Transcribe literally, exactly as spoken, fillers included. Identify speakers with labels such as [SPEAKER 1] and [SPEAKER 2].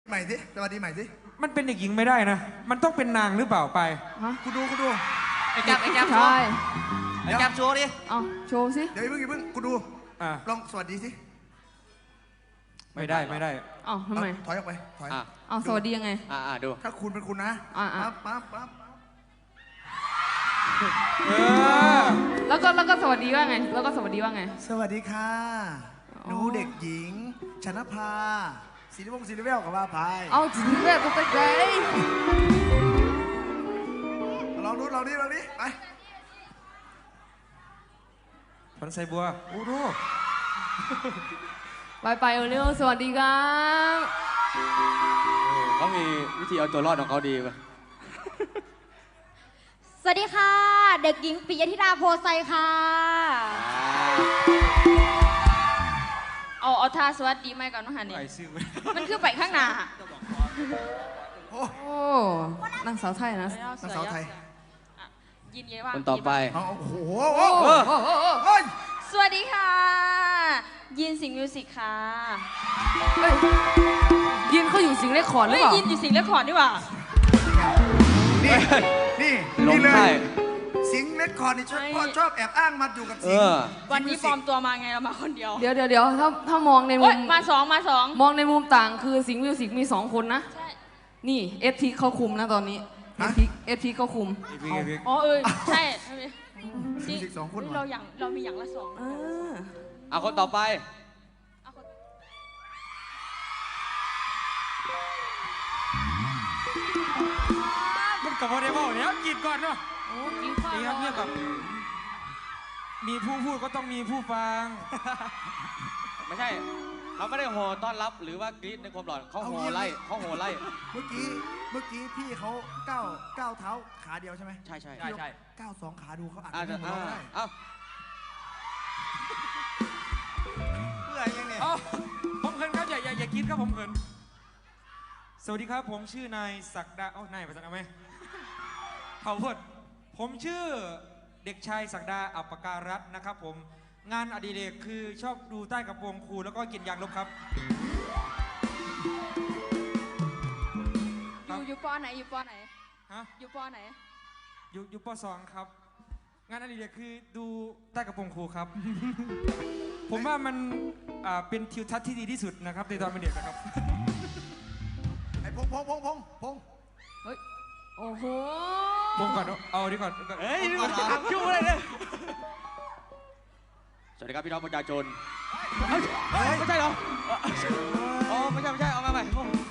[SPEAKER 1] ใหม่สิสวัสดีใหม่สิ
[SPEAKER 2] มันเป็นเด็กหญิงไม่ได้นะมันต้องเป็นนางหรือเปล่าไป
[SPEAKER 1] คุณดูคุณดู
[SPEAKER 3] ไอ้แก๊ปไอ้แก๊ปโชว์ไอ้แก๊ปโชว์ดิ
[SPEAKER 4] เอาโชว์สิ
[SPEAKER 1] เดี๋ยวเพิ่งเพิ่งคุณดูลองสวัสดีสิ
[SPEAKER 2] ไม่ได้ไม่ได้
[SPEAKER 4] อ๋อทำไม
[SPEAKER 1] ถอยออกไปถอย
[SPEAKER 4] เอาสวัสดียังไง
[SPEAKER 3] อ่าดู
[SPEAKER 1] ถ้าคุณเป็นคุณนะปั๊บปั๊บปั๊บ
[SPEAKER 4] แล้วก็แล้วก็สวัสดีว่าไงแล้วก็สวัสดีว่าไง
[SPEAKER 1] สวัสดีค่ะหนูเด็กหญิงชนภาศิริวงศ์ศิริเวลกับว่าพาย
[SPEAKER 4] เอาจริงแบบตัวใจ
[SPEAKER 1] ลองดูลองดิลองดิไป
[SPEAKER 2] พันไซบัวโอ้โห
[SPEAKER 4] ไปไปเร็วสวัสดีครับ
[SPEAKER 3] เขามีวิธีเอาตัวรอดของเขาดีป่ะ
[SPEAKER 5] สวัสดีค่ะเด็กหญิงปิยธิดาโพไซค่ะ
[SPEAKER 4] เอาเอาท่าสวัสดีไหมก่อนนะฮะนี่มันคือไปข้างหน้าโอ้นางสาวไทยนะ
[SPEAKER 1] นางสาวไทย
[SPEAKER 4] ยินดีว่า
[SPEAKER 3] คนต่อไป
[SPEAKER 1] โอ้โห
[SPEAKER 4] สวัสดีค่ะยินสิงห์มิวสิกค่ะยินเขาอยู่สิงห์เรคคอร์ดหรือเปล่ายินอยู่สิงห์เรคคอร์ดดีกว่า
[SPEAKER 1] นี่นี่นี่เลยสิงห์เรคคอร์ดนี่ชอบชอบแอบอ้างมาอยู่กับสิงห์
[SPEAKER 4] วันนี้ปลอมตัวมาไงเรามาคนเดียวเดี๋ยวเดี๋ยวเดี๋ยวถ้าถ้ามองในมุมมาสองมาสองมองในมุมต่างคือสิงห์มิวสิกมีสองคนนะนี่เอฟทีเขาคุมนะตอนนี้เอฟทีเอฟทีเขาคุมอ๋อเออใช่
[SPEAKER 1] สิงห์สองคน
[SPEAKER 4] เราอย่างเรามีอย่างละสอง
[SPEAKER 3] เอาคนต่อไป
[SPEAKER 2] มันกับว่าได้บอกเนี่ยกินก่อนเนาะ
[SPEAKER 4] โอ้กินก่อน
[SPEAKER 2] นี่ครับเนี่ยแบบมีผู้พูดก็ต้องมีผู้ฟัง
[SPEAKER 3] ไม่ใช่เขาไม่ได้โห่ต้อนรับหรือว่ากรี๊ดในความหลอนเขาโห่ไล่เขาโห่ไล่
[SPEAKER 1] เมื่อกี้เมื่อกี้พี่เขาก้าวก้าวเท้าขาเดียวใช่ไหม
[SPEAKER 3] ใช่ใช่
[SPEAKER 2] ใช่
[SPEAKER 1] ก้าวสองขาดูเขาอาจ
[SPEAKER 3] จะไม่ได้เอ้า
[SPEAKER 1] เพื่อยังเนี่ย
[SPEAKER 2] ผมเขินครับอย่าอย่าอย่าคิดครับผมเขินสวัสดีครับผมชื่อนายศักดาโอ้นายภาษาอะไรไหมเขาพูดผมชื่อเด็กชายศักดาอัปปการัตน์นะครับผมงานอดิเรกคือชอบดูใต้กระโปรงครูแล้วก็กินยางลบครับ
[SPEAKER 4] อยู่อยู่ปอไหนอยู่ปอไหน
[SPEAKER 2] ฮะ
[SPEAKER 4] อยู่ปอไหน
[SPEAKER 2] อยู่อยู่ปอสองครับงานอดิเรกคือดูใต้กระโปรงครูครับ ผมว่ามันเป็นทิวทัศน์ที่ดีที่สุดนะครับในตอนเป็นเด็กนะครับ
[SPEAKER 1] ไอ้พงพงพงพงพง
[SPEAKER 4] เฮ้ยโอ้โห
[SPEAKER 2] พงก่อนเอาดีก่อน
[SPEAKER 3] เฮ้ยนี่มันทำยุ่งอะไรเนี่ยสวัสดีครับพี่น้องประชาชนไม่ใช่เหรออ๋อไม่ใช่ไม่ใช่เอามาใหม่